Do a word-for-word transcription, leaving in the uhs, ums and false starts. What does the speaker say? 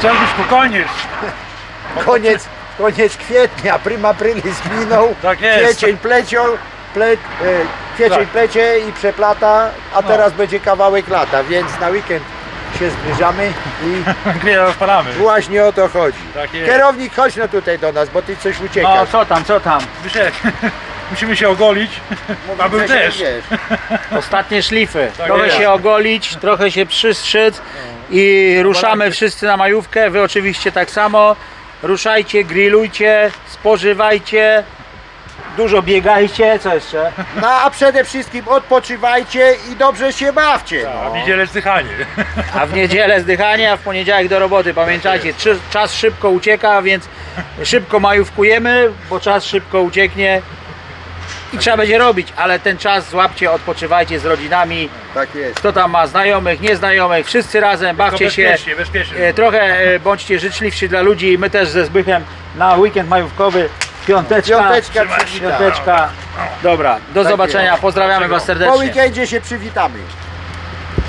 Trzeba być spokojnie. Koniec, koniec kwietnia, prima aprilis minął, Tak jest. kwiecień plecią, ple, e, kwiecień Tak. plecie i przeplata, a No. teraz będzie kawałek lata, więc na weekend się zbliżamy i Grilla rozpalamy. właśnie o to chodzi. Tak jest. Kierownik, chodź no tutaj do nas, bo ty coś No uciekasz. co tam, co tam? Wyszedł. Musimy się ogolić. A był Że się też. wiesz. Ostatnie szlify. Tak Trochę jest. się ogolić, trochę się przystrzyc i ruszamy wszyscy na majówkę. Wy oczywiście tak samo. Ruszajcie, grillujcie, spożywajcie, dużo biegajcie, co jeszcze? No a przede wszystkim odpoczywajcie i dobrze się bawcie. A No. w niedzielę zdychanie. A w niedzielę zdychanie, a w poniedziałek do roboty. Pamiętajcie, czy- czas szybko ucieka, więc szybko majówkujemy, bo czas szybko ucieknie i trzeba będzie robić, ale ten czas złapcie, odpoczywajcie z rodzinami. Tak jest. Kto tam ma znajomych, nieznajomych, wszyscy razem, bawcie się. bezpiecznie, bezpiecznie. E, Trochę e, bądźcie życzliwsi dla ludzi. My też ze Zbychem na weekend majówkowy. Piąteczka. Piąteczka Trzymaj się. przywita. Piąteczka. Dobra, do Tak zobaczenia. jest. Pozdrawiamy Was Po serdecznie. weekendzie się przywitamy.